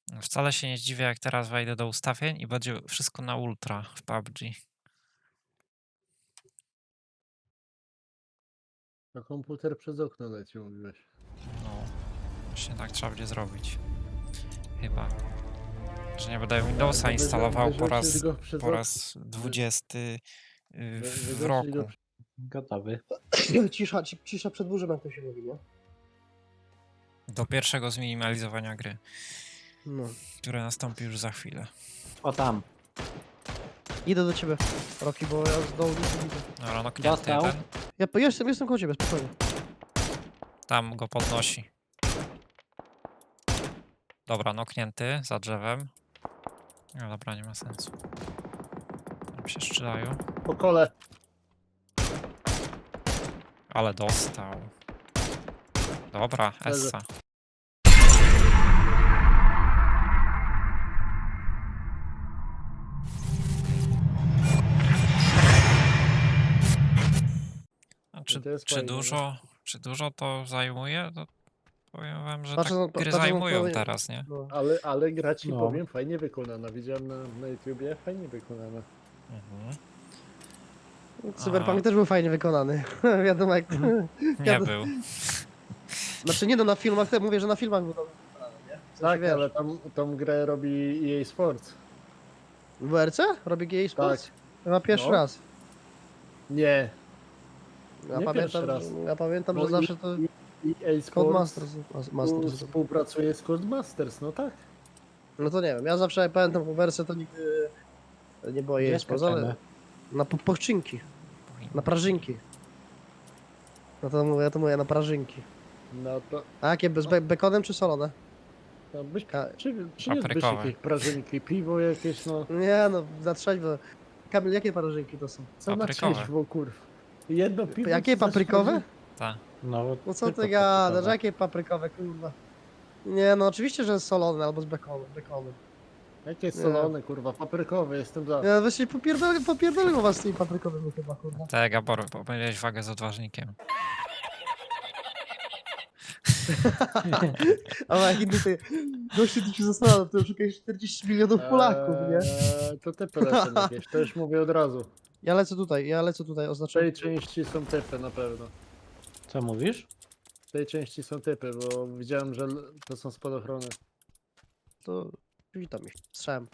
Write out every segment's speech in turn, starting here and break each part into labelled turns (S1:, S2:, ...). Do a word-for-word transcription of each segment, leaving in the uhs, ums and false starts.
S1: Wcale się nie zdziwię, jak teraz wejdę do ustawień i będzie wszystko na ultra w P U B G.
S2: A komputer przez okno leci, mówiłeś.
S1: No, właśnie tak trzeba będzie zrobić. Chyba. Że nie będę Windowsa
S2: to wyrzu-
S1: instalował po
S2: wyrzucisz
S1: raz,
S2: go przez
S1: po
S2: ok-
S1: raz dwudziesty y,
S2: Wy-
S1: w
S2: wyrzucisz go
S1: roku.
S3: Gotowy.
S4: Cisza, ci- cisza przed burzem, jak to się mówi, nie?
S1: Do pierwszego zminimalizowania gry,
S4: No.
S1: które nastąpi już za chwilę.
S3: O tam.
S4: Idę do ciebie, Roki, bo ja z dołu nic nie widzę.
S1: Dobra, no knięty
S3: Dostał.
S1: jeden.
S4: Ja po- jestem, jestem koło ciebie, spokojnie.
S1: Tam go podnosi. Dobra, noknięty za drzewem. No dobra, nie ma sensu. Tam się strzelają.
S2: po kole.
S1: Ale dostał. Dobra,
S2: Leży.
S1: Essa. A czy,
S2: to jest
S1: czy
S2: fajne, no.
S1: dużo, czy dużo to zajmuje? To powiem wam, że
S4: Patrzę
S1: tak
S4: na-
S1: gry
S4: patrzę na
S1: zajmują
S4: twoje-
S1: teraz, nie?
S4: No.
S2: Ale, ale gra ci
S3: No.
S2: powiem, fajnie wykonana. Widziałem na, na YouTubie, fajnie wykonana.
S1: Mhm.
S4: Cyberpunk
S1: A.
S4: też był fajnie wykonany. Wiadomo jak...
S1: Nie
S4: Ja-
S1: był.
S4: Znaczy nie no, na filmach, te, mówię, że na filmach był dobrze wykonany, nie? W sensie,
S2: Tak,
S4: wiesz,
S2: ale tam, tą grę robi E A Sports.
S4: W W R C? Robi G A Sports?
S2: Tak.
S4: Chyba pierwszy
S2: No.
S4: raz.
S2: Nie.
S4: Ja
S2: Nie
S4: pamiętam,
S2: pierwszy raz.
S4: ja pamiętam,
S2: Bo
S4: że
S2: i-
S4: zawsze to...
S2: E A Sports
S4: Codemasters. Mas-
S2: tu
S4: Masters.
S2: współpracuje z Codemasters, no tak.
S4: No to nie wiem, ja zawsze jak pamiętam w W R C to nigdy nie było
S3: Nie
S4: jej Sports, ale...
S3: skaczemy.
S4: Na po- pochczynki, na prażynki. No to mówię, ja to mówię na prażynki.
S2: No to,
S4: A jakie, bez be bekonem czy solone?
S2: to byś,
S4: Ka
S2: czy, przyniósłbyś
S1: Paprykowe.
S2: jakieś prażynki, piwo jakieś, no.
S4: nie no, za trzeźwo. Kamil, jakie prażynki to są?
S2: Co na
S1: Paprykowe.
S2: trzeźwo, kurw. Jedno piwo.
S4: Jakie
S2: ci za
S4: paprykowe?
S1: Tak.
S3: No,
S4: No co
S3: tylko
S4: ty gadasz,
S3: paprykowe.
S4: jakie paprykowe, kurwa? Nie no, oczywiście, że solone albo z bekonem. bekonem.
S2: Jakie solone, kurwa, paprykowe, jestem za.
S4: Ja właśnie popierdolę, popierdolę was z tymi paprykowymi chyba, kurwa.
S1: Tak, Gabor, pomyliłeś wagę z odważnikiem.
S4: Ale jak inny ty, gościu ty się zastanawia, to szukałeś czterdzieści milionów Polaków, nie?
S2: Eee, to typy lecą jakieś, to już mówię od razu.
S4: Ja lecę tutaj, ja lecę tutaj,
S2: W
S4: oznaczam.
S2: tej części są typy na pewno.
S3: Co mówisz?
S2: W tej części są typy, bo widziałem, że l- to są spadochrony.
S4: To witam ich, strzałem.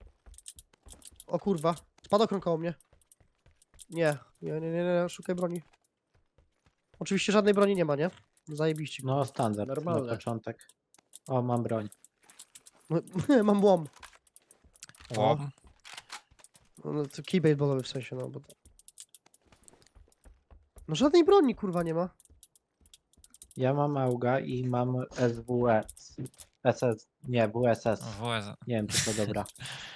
S4: O kurwa, spadochron koło mnie. Nie, nie, nie, nie, nie, szukaj broni. Oczywiście żadnej broni nie ma, nie? Zajebiście.
S3: No, standard
S2: Normalne.
S3: na początek. O, mam broń.
S4: No, mam łom.
S1: Łom.
S4: No to kij baseballowy w sensie, no bo to... No żadnej broni kurwa nie ma.
S3: Ja mam Auga i mam S W S. S S. Nie, W S S.
S1: W S.
S3: Nie wiem, czy to dobra.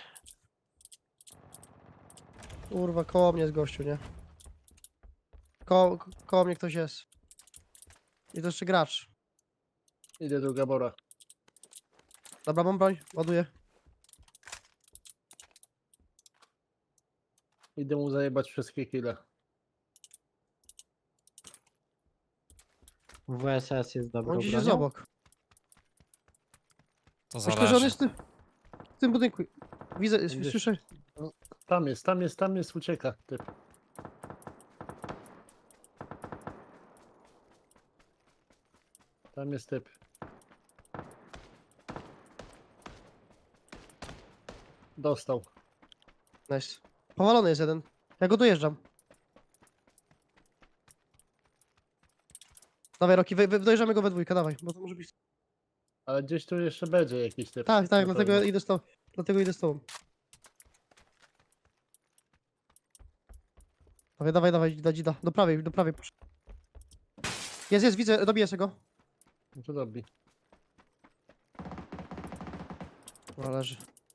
S4: Kurwa, koło mnie jest gościu, nie? Ko ko koło mnie ktoś jest. I to jeszcze gracz.
S2: Idę do Gabora.
S4: Dobra, mam broń, ładuję.
S2: Idę mu zajebać wszystkie kile.
S3: W S S jest dobrą
S4: On gdzieś jest
S3: bronią?
S4: obok.
S1: To
S4: Myślę, że on
S1: zależy.
S4: jest w tym, w tym budynku. Widzę,
S2: Gdzieś-
S4: słyszę.
S2: Tam jest, tam jest, tam jest, ucieka. Typ. Tam jest typ. Dostał.
S4: Nice. Powalony jest jeden. Ja go dojeżdżam. Dawaj Roki, wy, wy, dojeżdżamy go we dwójkę, dawaj, bo to może być...
S2: Ale gdzieś tu jeszcze będzie jakiś typ.
S4: Tak, tak,
S2: na
S4: dlatego
S2: pewno.
S4: idę z tobą. Dlatego idę z tobą. Dawaj, dawaj, dawaj, dzida, dzida. Do prawej, do prawej. Jest, jest, widzę, dobiję się go.
S2: No to dobi.
S4: Dobra, leży.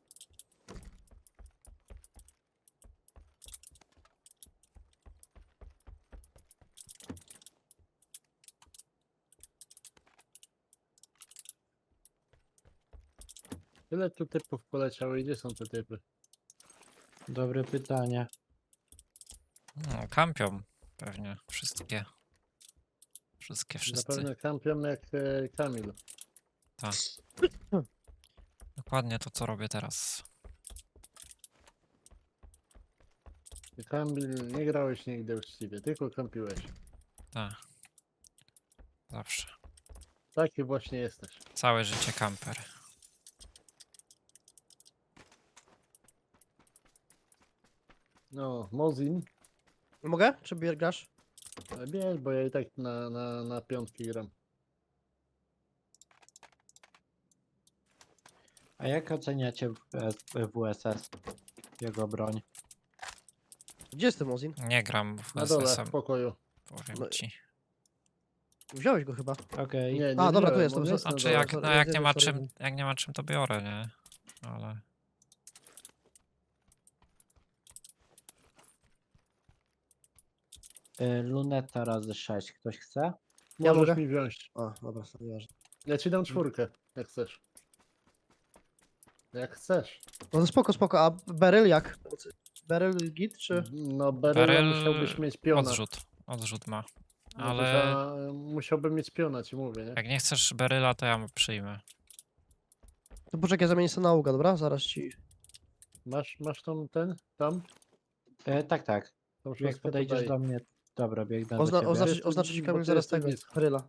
S2: Tyle tu typów poleciało i gdzie są te typy?
S3: Dobre pytanie.
S1: No, kampią pewnie wszystkie. Wszystkie, wszyscy.
S2: Zapewne kampion jak e, Kamil.
S1: Tak. Dokładnie to, co robię teraz.
S2: Ty, Kamil, nie grałeś nigdy uczciwie, tylko kampiłeś.
S1: Tak. Zawsze.
S2: Taki właśnie jesteś.
S1: Całe życie kamper.
S2: No, Mozin,
S4: Mogę? Czy bier- grasz?
S2: bierz, bo ja i tak na, na, na piątki gram.
S3: A jak oceniacie W S S? Jego broń?
S4: Gdzie jest ten Mozin?
S1: Nie gram w
S2: Na dole, w
S1: S S-em,
S2: pokoju.
S1: powiem
S4: No-
S1: ci.
S4: Wziąłeś go chyba.
S3: Okej.
S2: Nie, nie
S4: A, dobra, tu
S2: wziąłem,
S4: jest,
S2: on
S4: to
S2: jest na
S1: Znaczy
S2: dole.
S1: jak,
S4: sorry,
S1: no jak
S4: sorry,
S1: nie ma
S4: sorry.
S1: czym, jak nie ma czym to biorę, nie? Ale
S3: Y, Luneta razy sześć. Ktoś chce?
S4: Ja
S2: Możesz
S4: mogę?
S2: mi wziąć.
S4: A, dobra, to nieważne.
S2: Ja ci dam czwórkę, jak chcesz. Jak chcesz.
S4: No to spoko, spoko. A Beryl jak? Beryl git, czy?
S2: No, Beryla
S1: Beryl
S2: musiałbyś mieć piona.
S1: odrzut. Odrzut ma.
S2: No,
S1: ale-
S2: za- Musiałbym mieć piona, ci mówię, nie?
S1: Jak nie chcesz Beryla, to ja mu przyjmę.
S4: To poczekaj, zamienię sobie na Auga, dobra? Zaraz ci...
S2: Masz, masz tam ten, tam?
S3: Y, tak, tak.
S2: Tą
S3: Jak
S2: szóstkę
S3: podejdziesz
S2: tutaj.
S3: do mnie... Dobra, biegnę
S4: Ozna
S3: do ciebie.
S4: oznaczyć,
S2: Jestem-
S4: oznaczyć ci
S2: bo
S4: Kamil
S2: ty
S4: zaraz
S2: jesteś
S4: tego,
S2: blisko.
S4: Beryla.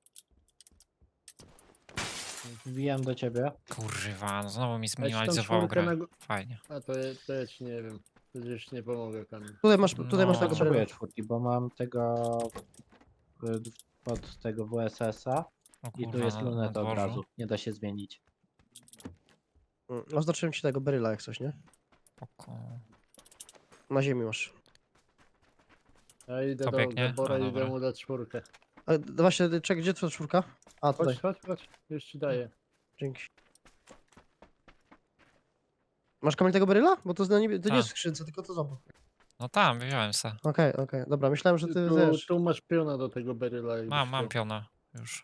S3: Wbijam do ciebie.
S1: Kurwa, no znowu mi
S2: Ja ci tam
S1: zminimalizował
S2: czwórkę
S1: grę.
S2: na... gó-
S1: Fajnie.
S2: A to, ja- to ja ci nie wiem. Przecież nie pomogę, Kamil.
S4: Tutaj masz, tutaj
S1: No.
S4: masz tego
S3: Potrzebuję
S4: Beryla.
S3: czwórki, bo mam tego... y, Pod tego W S S-a.
S1: O
S3: I tu
S1: kurwa,
S3: jest
S1: na, na
S3: luneta od
S1: dworzu.
S3: razu. Nie da się zmienić.
S4: Mm, Oznaczyłem ci tego Beryla jak coś, nie?
S1: Spoko.
S4: Na ziemi masz.
S2: Ja idę
S1: To
S2: do
S1: biegnie?
S2: Gabora
S1: A,
S2: i idę
S1: dobra.
S2: mu dać czwórkę.
S4: A, d- właśnie, czekaj, gdzie twoja czwórka? A, tutaj.
S2: Chodź, chodź, chodź. Już ci daję.
S4: Dzięki. Masz Kamil tego Beryla? Bo to, jest na niebie... to nie
S1: Tak.
S4: jest w skrzynce, tylko to zobacz.
S1: No tam, wziąłem se.
S4: Okej, okej, dobra, myślałem, że ty
S2: Tu,
S4: wiesz.
S2: tu masz piona do tego Beryla. jakbyś
S1: Mam, mam
S2: chciał.
S1: piona już.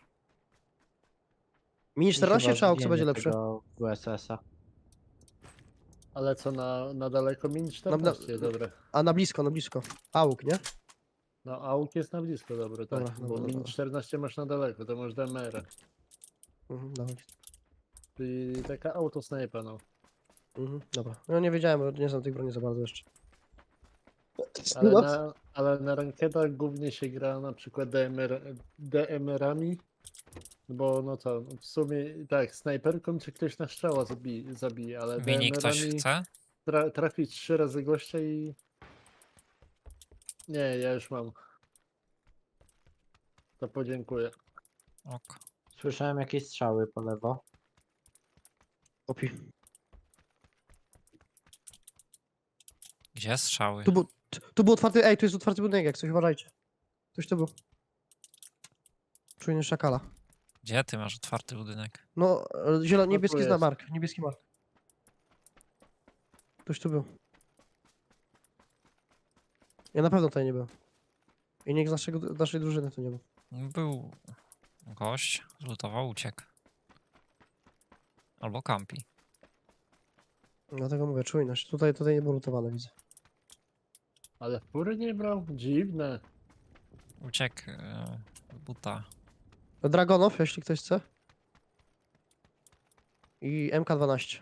S4: Mini
S3: I
S4: czternaście
S3: chyba
S4: czy Auk, co
S3: wbijanie
S4: będzie lepsze?
S3: tego W S S-a.
S2: Ale co, na, na daleko min czternaście, dobre.
S4: A na blisko, na blisko. Auk, nie?
S2: No, auk jest na blisko, dobre, tak.
S4: Dobra,
S2: bo
S4: dobra,
S2: min
S4: dobra.
S2: czternaście masz na daleko, to masz D M R.
S4: Mhm, dawaj.
S2: Czyli taka autosnajpa, no.
S4: Mhm, dobra. No nie wiedziałem, bo nie znam tych broni za bardzo jeszcze.
S2: Ale
S4: No.
S2: na, ale na rankedach głównie się gra na przykład D M R, D M R-ami, bo no to w sumie tak, snajperką cię ktoś na strzała zabi, zabije, ale
S1: Mini ktoś
S2: D M R-ami
S1: chce?
S2: tra, trafić trzy razy gościa i... Nie, ja już mam. To podziękuję.
S1: Ok.
S3: Słyszałem jakieś strzały po lewo.
S4: Opi.
S1: Gdzie strzały?
S4: Tu, był, tu, tu był otwarty, ej, tu jest otwarty budynek, jak coś, uważajcie. Ktoś tu był. Czujny szakala.
S1: Gdzie ty masz otwarty budynek?
S4: No, e, zielony,
S2: tu
S4: niebieski zna
S2: jest.
S4: mark, niebieski mark. Ktoś tu był. Ja na pewno tutaj nie był. I nikt z naszego, naszej drużyny tu nie był.
S1: Był gość, zlutował, uciekł. Albo kampi.
S4: Dlatego mówię, czujność. Tutaj, tutaj nie było lutowane, widzę.
S2: Ale fury nie brał? Dziwne.
S1: Uciekł e, buta.
S4: Dragonow, jeśli ktoś chce. I M K dwanaście.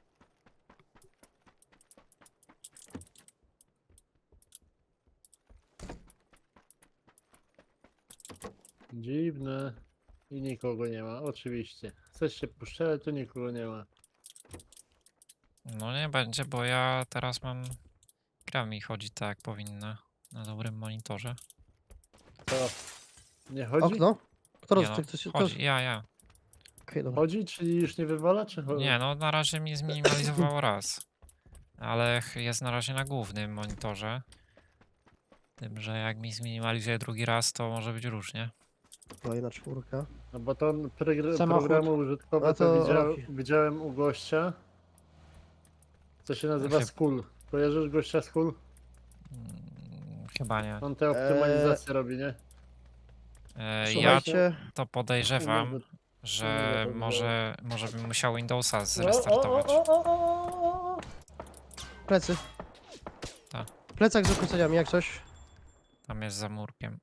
S2: Dziwne. I nikogo nie ma, oczywiście. Chcesz się puszczać, to nikogo nie ma.
S1: No nie będzie, bo ja teraz mam... Gra mi chodzi tak jak powinna. Na dobrym monitorze.
S2: Co? Nie chodzi?
S4: Okno? Kto
S1: Nie
S4: roz...
S1: no,
S4: ktoś, ktoś...
S1: chodzi, ja, ja.
S4: Okej, dobra.
S2: Chodzi, czyli już nie wywala, czy chodzi?
S1: Nie, no na razie mi zminimalizowało raz. Ale ch- jest na razie na głównym monitorze. Tym, że jak mi zminimalizuje drugi raz, to może być różnie.
S4: Kolejna czwórka.
S2: No bo to pregr-
S3: Samochód.
S2: programu użytkowe
S4: A
S2: to,
S4: to
S2: widział,
S4: Rocky.
S2: widziałem u gościa. Co się nazywa
S1: Chyb-
S2: Skull. Kojarzysz gościa Skull?
S1: Mm, chyba nie.
S2: On te optymalizacje robi, nie?
S1: E, ja
S4: Słuchajcie,
S1: to podejrzewam,
S2: Nawet-
S1: że
S2: nawet nie.
S1: może, może bym musiał Windowsa
S2: O, o,
S1: zrestartować.
S2: o, o, o, o.
S4: plecy.
S1: Tak.
S4: Plecak z ukróceniami, jak coś.
S1: Tam jest za murkiem.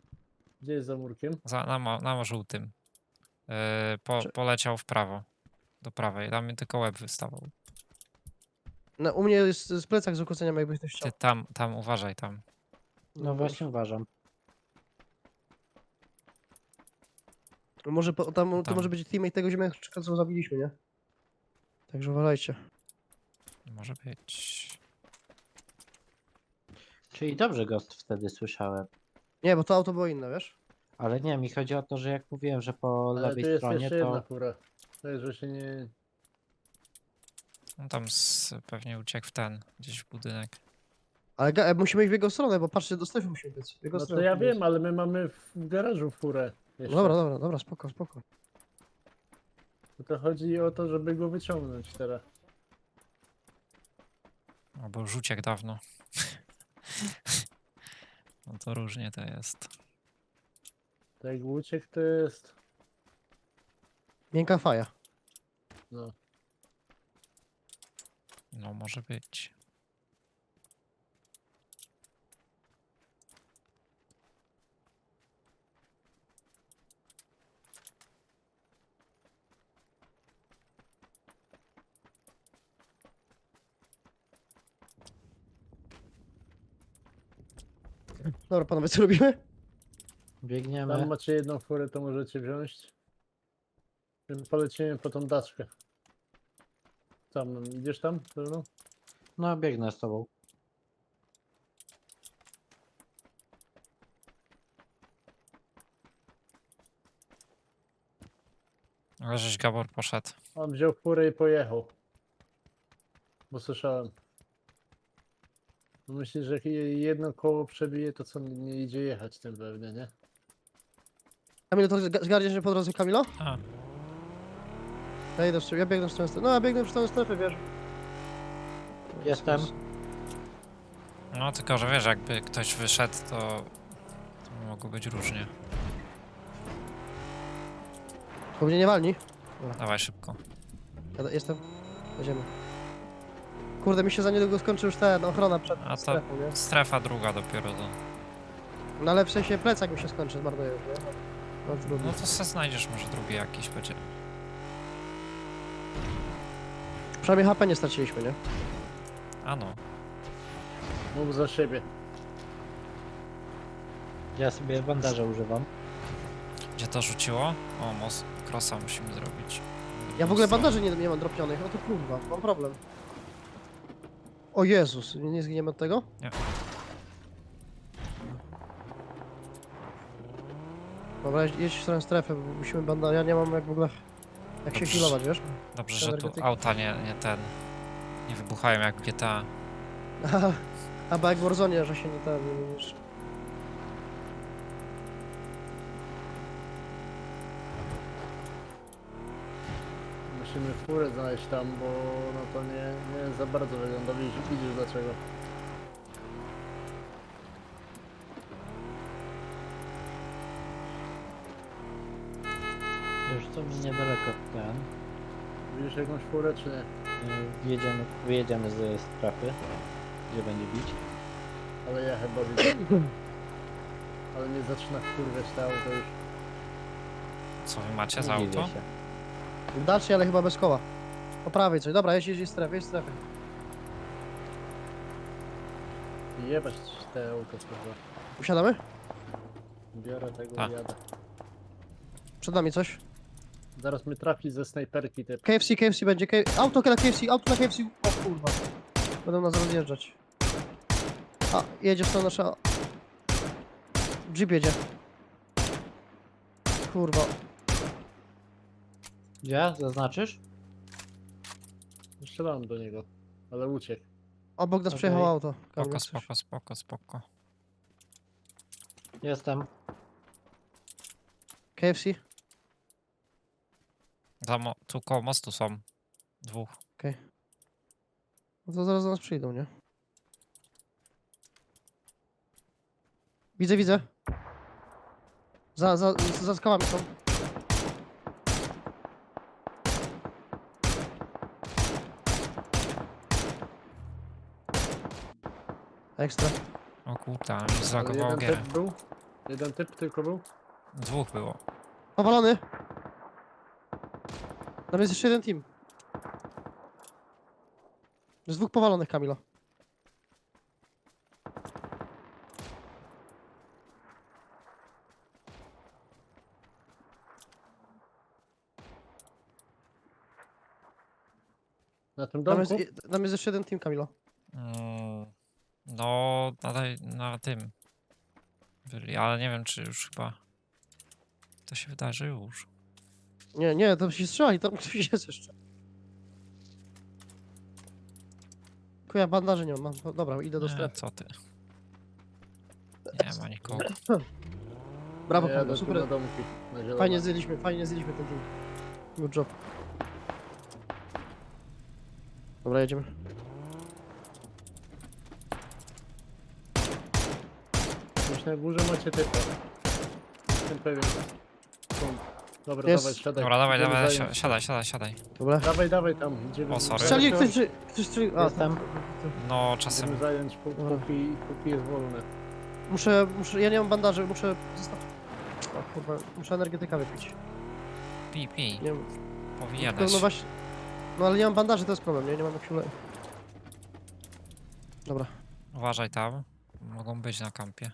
S2: Gdzie jest za murkiem?
S1: Za, na, mo- na żółtym. E, po,
S4: Czy-
S1: poleciał w prawo. Do prawej, tam mi tylko łeb wystawał.
S4: No, u mnie jest z plecak z ukłoceniem, jakbyś ktoś chciał.
S1: Ty tam, tam uważaj tam.
S3: No właśnie uważam.
S4: Może po, tam, to
S1: Tam.
S4: może być teammate tego ziemniaczka, co zabiliśmy, nie? Także uważajcie.
S1: Może być.
S3: Czyli dobrze Ghost wtedy słyszałem.
S4: Nie, bo to auto było inne, wiesz?
S3: Ale nie, mi chodzi o to, że jak mówiłem, że po
S2: Ale tu
S3: lewej
S2: jest
S3: stronie
S2: jeszcze jedna
S3: to...
S2: fura. To jest, że się nie...
S1: On tam z, pewnie uciekł w ten, gdzieś w budynek.
S4: Ale ga- musimy iść w jego stronę, bo patrzcie, do strefy musimy być. W jego
S2: No to
S4: stronę
S2: ja
S4: musimy
S2: wiem, ale my mamy w w garażu furę.
S4: być.
S2: Jeszcze.
S4: Dobra, dobra, dobra, spoko, spoko.
S2: To, to chodzi o to, żeby go wyciągnąć teraz.
S1: Albo już uciekł dawno. No to różnie to jest.
S2: To jak uciekł, to jest...
S4: Miękka faja.
S2: No.
S1: No może być.
S4: Dobra, panowie, co robimy?
S3: Biegniemy.
S2: Tam macie jedną furę, to możecie wziąć. Tym polecimy po tą daczkę. Tam, no, idziesz tam? No.
S3: No, biegnę z tobą.
S1: Ale żeś Gabor poszedł.
S2: On wziął furę i pojechał. Bo słyszałem. Myślisz, że jak je- jedno koło przebije, to co, nie, nie idzie jechać tym pewnie, nie?
S4: Kamilo, to zga- zgarniesz się po drodze, Kamilo?
S1: A,
S4: Ja idę w stronę, ja biegnę w stronę strefy. No, ja biegnę w stronę strefy, wiesz.
S3: Jestem.
S1: no tylko, że wiesz, jakby ktoś wyszedł, to, to mogło być różnie.
S4: Bo mnie nie walni.
S1: Dawaj szybko.
S4: Ja do- jestem. Jedziemy. Kurde, mi się za niedługo skończy już ten ochrona przed
S1: A to
S4: strefą, nie?
S1: strefa druga dopiero do...
S4: No ale w sensie plecak mi się skończy, zmarnuję już, nie? No, trudno.
S1: No to se znajdziesz może drugi jakiś będzie.
S4: Przynajmniej H P nie straciliśmy, nie?
S1: A no.
S2: Mów za siebie.
S3: Ja sobie bandaże używam.
S1: Gdzie to rzuciło? O, most crossa musimy zrobić.
S4: Ja w ogóle
S1: Stronę.
S4: bandaży nie, nie mam dropionych, o to kurwa, mam problem. O Jezus, nie nie zginiemy od tego?
S1: Nie.
S4: Dobra, jedź- jedź w stronę strefy, bo musimy bandaż, ja nie mam jak w ogóle... Jak się
S1: Dobrze.
S4: healować, wiesz?
S1: Dobrze, że tu
S4: energetyki.
S1: auta nie, nie ten... Nie wybuchają jak w G T A.
S4: Aha, albo jak w Warzone, że się nie ten... Już...
S2: Musimy furę znaleźć tam, bo no to nie, nie za bardzo wygląda. Widzisz, widzisz dlaczego.
S3: Już to mi niedaleko ten.
S2: Widzisz jakąś furę, czy nie?
S3: Yy, Wjedziemy, wyjedziemy ze strefy, gdzie będzie bić.
S2: Ale ja chyba widzę. Ale nie zaczyna kurwiać to auto już.
S1: Co wy macie
S3: Nie
S1: za
S3: dziwię
S1: auto?
S3: się.
S4: Dalszy, ale chyba bez koła. Po prawej coś, dobra, jedź, jedź, jedź strefy, jedź strefy.
S2: Jebać te auto kurwa.
S4: Usiadamy?
S2: Biorę tego
S1: Tak.
S2: i jadę.
S4: Przed nami coś.
S2: Zaraz mnie trafi ze snajperki typ.
S4: K F C, K F C będzie, K... auto na K F C, auto na K F C, o kurwa. Będą nas rozjeżdżać. A, jedzie w stronę nasza... Jeep jedzie. Kurwa.
S3: Gdzie? Zaznaczysz?
S2: Strzelałem do niego, ale uciekł.
S4: Obok nas
S3: Okej.
S4: przejechało auto. Kamil,
S1: Spoko,
S4: jak coś.
S1: spoko, spoko, spoko.
S3: Jestem.
S4: K F C?
S1: Za mo- tu koło mostu są. Dwóch.
S4: No to zaraz do nas przyjdą, nie? Widzę, widzę. Za, za, za skałami są. Ekstra.
S1: O kurde, ale mi
S2: Ale
S1: zlagowało
S2: jeden
S1: gierę.
S2: typ był? Jeden typ tylko był?
S1: Dwóch było.
S4: Powalony. Tam jest jeszcze jeden team. Jest dwóch powalonych, Kamilo.
S2: Na tym
S4: Tam
S2: domku?
S4: jest, tam jest jeszcze jeden team, Kamilo.
S1: Mm, no, na, tej- na tym. Byli, ale nie wiem, czy już chyba. To się wydarzy już.
S4: Nie, nie, tam się strzelali, tam ktoś jest jeszcze. Kuja, bandaży nie mam. mam. no Dobra, idę do
S1: Nie,
S4: strefy.
S1: co ty? Nie ma nikogo.
S4: Brawo,
S2: Ja
S4: Kamilo,
S2: jadę tu
S4: super.
S2: na domki. Na zielono.
S4: Fajnie zjedliśmy, fajnie zjedliśmy ten team. Good job. Dobra, jedziemy.
S2: Gdzieś na górze macie typa. Jestem pewien. Stąd. Dobra,
S4: Jest.
S2: dawaj, siadaj.
S1: Dobra, dawaj,
S2: Idziemy
S1: dawaj,
S2: zająć.
S1: si- siadaj, siadaj, siadaj.
S4: Dobra.
S2: Dawaj, dawaj tam. Idziemy.
S1: O, sorry.
S4: Strzeli,
S2: Idziemy
S4: ktoś, strzeli- ktoś strzelił. A,
S3: Jestem.
S4: tam.
S1: No, czasem.
S2: Idziemy zająć, pó-
S4: Dobra.
S2: póki, póki jest wolne.
S4: Muszę, muszę, ja nie mam bandaży, muszę zostać. O kurwa, muszę energetyka wypić.
S1: Pij, pij.
S4: Nie wiem,
S1: Powinieneś.
S4: no właśnie. No ale nie mam bandaży, to jest problem, nie? Nie mam jak się ule... Dobra.
S1: Uważaj tam. Mogą być na kampie.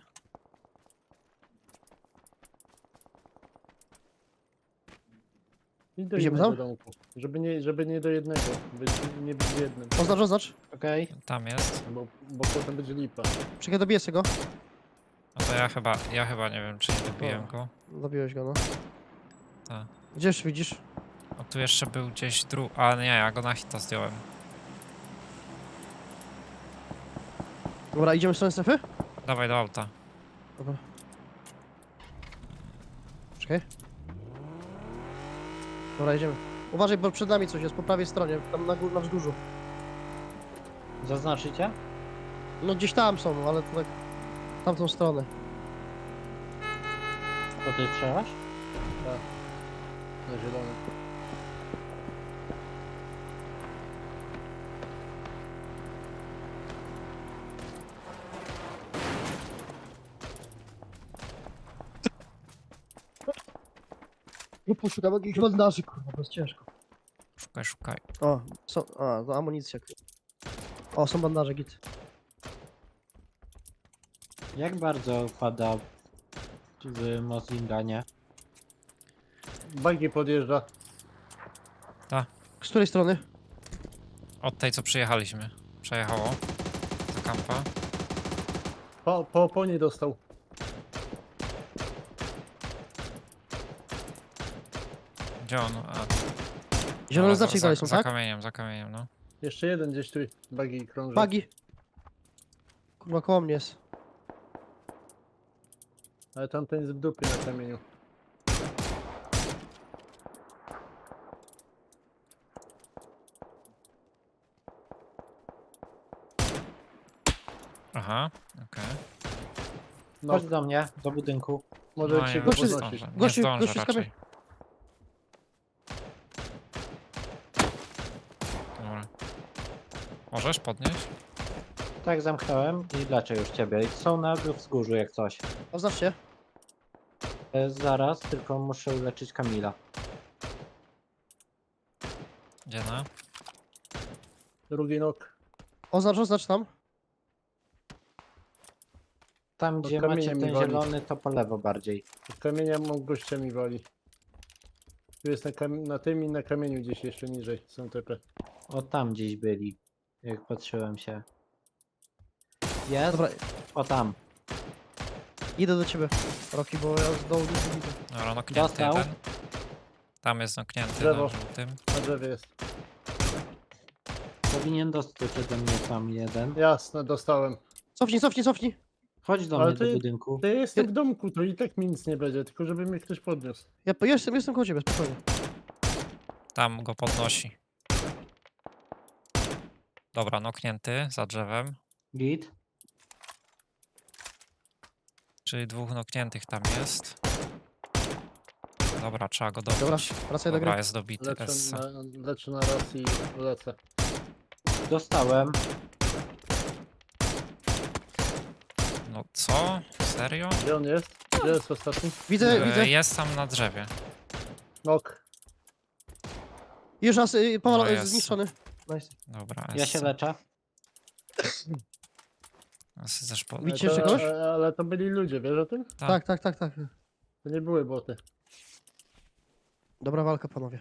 S2: I do
S4: Idziemy
S2: jednego
S4: tam?
S2: domku. Żeby nie, żeby nie do jednego. Być, nie być w jednym.
S4: Oznacz, oznacz.
S3: Okej.
S1: Tam jest.
S2: Bo, bo potem będzie lipa.
S4: Czekaj, dobiję sobie go.
S1: No to ja chyba, ja chyba nie wiem, czy nie dobiłem
S4: O.
S1: go.
S4: Dobiłeś go, no.
S1: Tak.
S4: Gdzież widzisz?
S1: O, tu jeszcze był gdzieś dru... A nie, ja go na hita zdjąłem.
S4: Dobra, idziemy w stronę strefy?
S1: Dawaj do auta.
S4: Dobra. Czekaj. Dobra, idziemy. Uważaj, bo przed nami coś jest, po prawej stronie, tam na, gó- na wzgórzu.
S3: Zaznaczycie?
S4: No gdzieś tam są, ale to tak... w tamtą stronę.
S3: To ty strzelasz?
S2: Na zielony.
S4: Nie poszukam jakichś bandaży, kurwa, to jest ciężko.
S1: Szukaj, szukaj.
S4: O, są, a, to amunicja. O, są bandaże, git.
S3: Jak bardzo pada w Moslinganie?
S2: Bagi podjeżdża.
S4: Z której strony?
S1: Od tej, co przyjechaliśmy. Przejechało. Za kampa.
S2: Po, po oponie dostał.
S1: Gdzie on? A,
S4: Zielone
S1: dobra,
S4: znaczki
S1: za,
S4: dalej
S1: za,
S4: są,
S1: za
S4: tak?
S1: kamieniem, za kamieniem, no.
S2: Jeszcze jeden gdzieś tu. Bagi krąży.
S4: Bagi. Kurwa, koło mnie jest.
S2: Ale tamten jest w dupie na kamieniu.
S1: Aha, okej.
S2: No,
S3: Chodź do mnie, do budynku.
S2: może
S1: No,
S2: się
S1: nie,
S2: go
S1: nie
S4: Gościu-
S2: podnosić.
S1: zdążę, nie
S4: gościu-
S1: zdążę
S4: gościu z
S1: raczej.
S4: kamień-
S1: Dobra. Możesz podnieść?
S3: Tak, zamknąłem i leczę już ciebie. Są na wzgórzu jak coś.
S4: Oznaczcie.
S3: E, Zaraz, tylko muszę uleczyć Kamila.
S1: Gdzie na?
S2: Drugi nok.
S4: Oznacz, oznacz tam.
S3: Tam,
S2: To
S3: gdzie macie
S2: kamieniem
S3: ten
S2: mi wali.
S3: zielony, to po lewo bardziej.
S2: Od kamienia mam gościami wali. Tu jest na, kam- na tym i na kamieniu gdzieś jeszcze niżej. Są tepe.
S3: O, tam gdzieś byli. Jak patrzyłem się. Jest?
S4: Dobra,
S3: O, tam.
S4: idę do ciebie, Roki, bo ja z dołu nic nie widzę.
S1: Dobra, noknięty
S3: Dostał.
S1: jeden. Tam jest noknięty
S2: Drzewo.
S1: na żółtym.
S2: Na drzewie jest.
S3: Powinien dostać ode mnie tam jeden.
S2: Jasne, dostałem.
S4: Cofnij, cofnij, cofnij.
S3: Chodź do
S2: Ale
S3: mnie do
S2: ty-
S3: budynku.
S2: Ja jestem w domku, to i tak mi nic nie będzie, tylko żeby mnie ktoś podniósł.
S4: Ja po- jestem, jestem koło ciebie, spokojnie.
S1: Tam go podnosi. Dobra, noknięty za drzewem.
S3: Git.
S1: Czyli dwóch nokniętych tam jest. Dobra, trzeba go dobić.
S4: Dobra, wracaj do
S1: Dobra,
S4: gry.
S1: jest dobity.
S2: Leczę
S1: Essa.
S2: na, leczę na raz i lecę.
S3: Dostałem.
S1: No co? Serio?
S2: Gdzie on jest? Gdzie jest ostatni?
S4: Widzę,
S1: E,
S4: widzę.
S1: Jest tam na drzewie.
S2: Nok.
S4: Już raz y, powalo-
S1: No jest.
S4: zniszczony. Nice.
S1: Dobra,
S3: Ja się
S1: S.
S3: leczę.
S1: S też po...
S4: Widzicie
S2: Ale
S4: jeszcze
S2: to,
S4: kogoś?
S2: ale to byli ludzie, wiesz o tym?
S1: Tak.
S4: Tak, tak, tak, tak.
S2: To nie były boty.
S4: Dobra walka, panowie.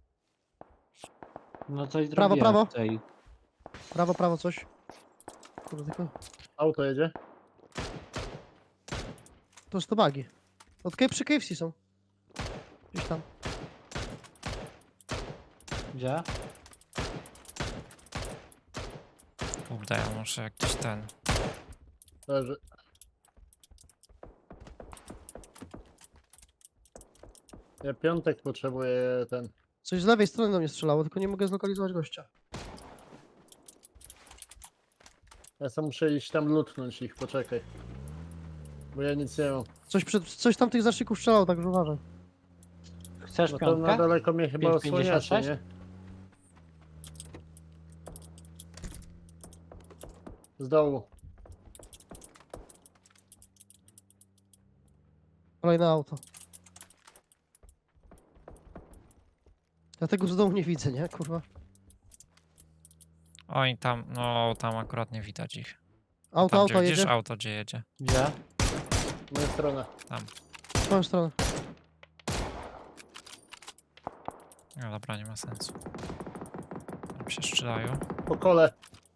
S3: No coś
S4: Prawo,
S3: zrobiłem
S4: prawo.
S3: tutaj.
S4: Prawo, prawo, coś. Kurde, tylko...
S2: Auto jedzie.
S4: To jest to bagi. Od K przy K F C są. Gdzieś tam.
S3: Gdzie?
S1: Kurde, ja muszę jakiś ten...
S2: Leży. Ja piątek potrzebuję ten.
S4: Coś z lewej strony do mnie strzelało, tylko nie mogę zlokalizować gościa.
S2: Ja sam muszę iść tam lutnąć ich, poczekaj. Bo ja nic nie mam.
S4: Coś, przed, coś tam tych zaczników strzelało, także uważaj.
S3: Chcesz
S2: No to na
S3: piątkę?
S2: daleko mnie chyba
S3: pięć pięćdziesiąt
S2: osłaniacie,
S3: sześć?
S2: nie? Z dołu.
S4: Kolejne auto. Ja tego z dołu nie widzę, nie? Kurwa.
S1: Oj, tam, no tam akurat nie widać ich.
S4: Auto,
S1: Tam,
S4: auto
S1: gdzie widzisz
S4: jedzie.
S1: auto, gdzie jedzie.
S3: Gdzie?
S2: Moja strona.
S4: W twoją stronę.
S1: No dobra, nie ma sensu. Tam się strzelają.
S2: Po kole.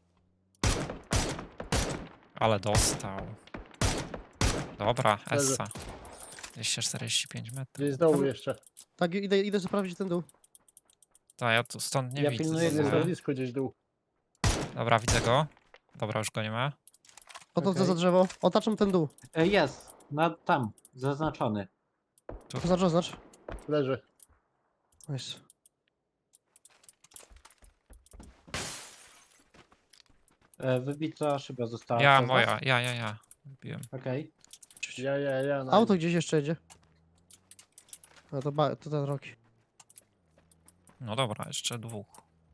S1: Ale dostał. Dobra,
S2: Leży.
S1: Essa. dwieście czterdzieści pięć metrów.
S2: Gdzieś z dołu
S4: Tam-
S2: jeszcze.
S4: Tak, idę, idę sprawdzić ten dół.
S1: To ja tu stąd nie
S3: Ja
S1: widzę.
S3: pilnuję
S2: Jest na
S3: górę.
S2: blisko gdzieś dół.
S1: Dobra, widzę go. Dobra, już go nie ma.
S4: Podchodzę
S3: Okej.
S4: za drzewo. Otaczam ten dół.
S3: E, Jest. Na, tam. Zaznaczony.
S4: Oznacz, oznacz.
S2: Leży.
S4: Nice.
S3: E, Wybita szyba została.
S1: Ja,
S3: przez was?
S1: moja, ja, ja, ja. Wbiłem.
S3: Okej.
S2: Ja, ja, ja. na
S4: Auto
S2: nim.
S4: gdzieś jeszcze jedzie. No to, ba- to ten Roki.
S1: No dobra, jeszcze dwóch.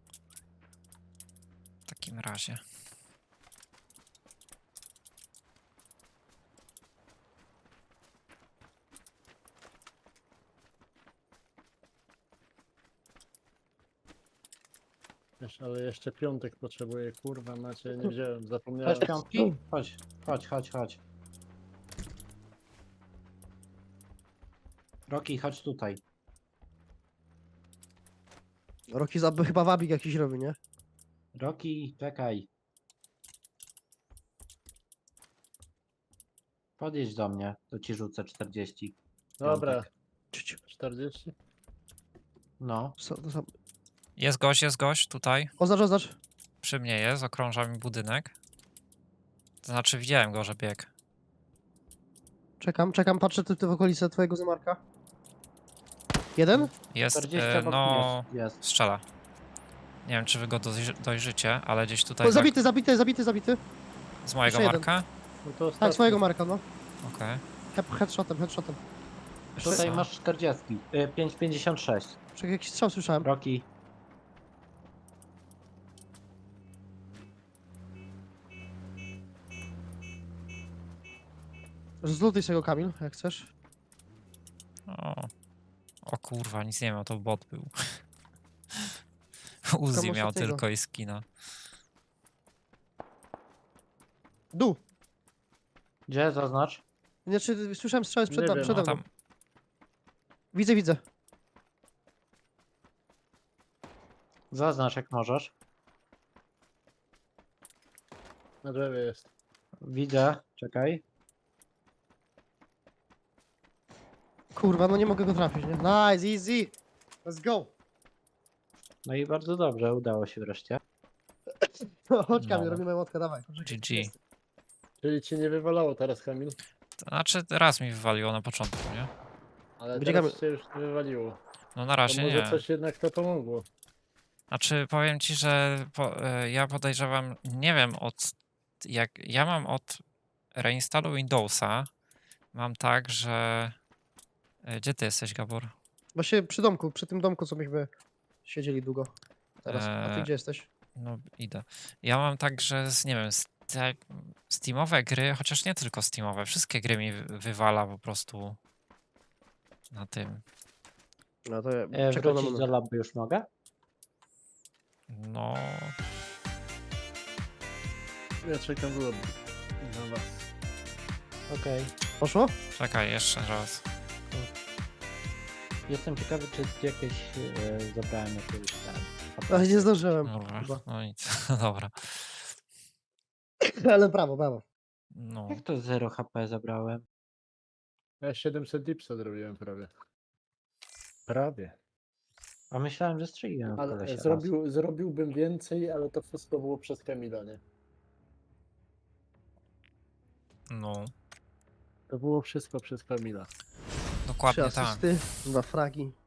S1: W takim razie.
S2: Wiesz, ale jeszcze piątek potrzebuję. Kurwa macie, nie wziąłem, zapomniałem.
S3: Chodź piątki? Chodź, chodź, chodź, chodź. Roki, chodź tutaj.
S4: Roki za, chyba wabik jakiś robi, nie?
S3: Roki, czekaj. Podjedź do mnie, to ci rzucę czterdzieści.
S2: Dobra,
S3: Piątek.
S4: Ciu,
S2: czterdzieści.
S3: No,
S4: Co, to sam-
S1: Jest gość, jest gość tutaj.
S4: Oznacz, oznacz.
S1: Przy mnie jest, okrąża mi budynek. To znaczy widziałem go, że biegł.
S4: Czekam, czekam, patrzę ty, ty w okolice twojego zamarka. Jeden?
S1: Jest,
S3: czterdzieści
S1: e,
S3: obok
S1: no...
S3: mnie jest.
S1: Strzela. Nie wiem, czy wy go dojrzy dojrzycie, ale gdzieś tutaj
S4: O,
S1: za,
S4: zabity, zabity, zabity, zabity.
S1: z mojego
S4: jeszcze jeden.
S1: marka.
S2: No to
S4: Tak,
S2: ostatni.
S4: swojego marka, no.
S1: Okej.
S4: Head, headshotem, headshotem.
S3: Tutaj
S1: Co?
S3: masz czterdzieści. Y, pięć pięćdziesiąt sześć.
S4: Czekaj, jakiś strzał słyszałem.
S3: Roki.
S4: Zlutuj sobie go, Kamil, jak chcesz.
S1: O. o kurwa, nic nie miał, to bot był. Uzi
S4: Komu
S1: miał
S4: tego?
S1: tylko i skina.
S4: Dół.
S3: Gdzie zaznacz?
S4: Znaczy, słyszałem strzały
S2: Nie
S4: przed,
S2: wiem,
S4: przede
S1: No
S4: mną.
S1: tam,
S4: Widzę, widzę.
S3: Zaznacz jak możesz.
S2: Na drzewie jest.
S3: Widzę, czekaj.
S4: Kurwa, no nie mogę go trafić, nie? Nice, easy. Let's go.
S3: No i bardzo dobrze, udało się wreszcie.
S4: Chodź, Kamil,
S1: No.
S4: robimy łotkę, dawaj.
S1: G G.
S2: Czyli ci nie wywalało teraz, Kamil?
S1: To znaczy, raz mi wywaliło na początku, nie?
S2: Ale
S4: Będzie
S2: teraz
S4: Kamil-
S2: cię już nie wywaliło.
S1: No na
S2: To
S1: razie
S2: może
S1: nie.
S2: coś jednak to pomogło.
S1: Znaczy, powiem ci, że po, e, ja podejrzewam, nie wiem od... Jak ja mam od reinstalu Windowsa, mam tak, że... e, Gdzie ty jesteś, Gabor?
S4: Właśnie przy domku, przy tym domku, co myśmy siedzieli długo. Teraz. A ty
S1: Eee,
S4: gdzie jesteś?
S1: No, idę. Ja mam tak, że z, nie wiem, z te Steamowe gry, chociaż nie tylko Steamowe, wszystkie gry mi wy- wywala po prostu na tym.
S4: No to ja
S3: E,
S4: czekam na
S3: wrócić do
S4: moment.
S3: labu już mogę?
S1: No,
S2: Ja czekam w lobby na was.
S3: Okej.
S4: Poszło?
S1: czekaj, jeszcze raz.
S3: Jestem ciekawy, czy jakieś e, zabrałem jakiegoś tam.
S4: Ale nie zdążyłem.
S1: Kurwa,
S4: Chyba.
S1: no nic, dobra.
S4: Ale brawo, brawo.
S1: No,
S3: Jak to zero H P zabrałem?
S2: Ja siedemset dipsa zrobiłem prawie. Prawie.
S3: A myślałem, że strzeliłem w
S2: Ale
S3: kolesia raz.
S2: zrobił, zrobiłbym więcej, ale to wszystko było przez Kamila, nie?
S1: no,
S2: To było wszystko przez Kamila.
S4: Trzy
S1: dokładnie tak.
S4: asysty, dwa fragi.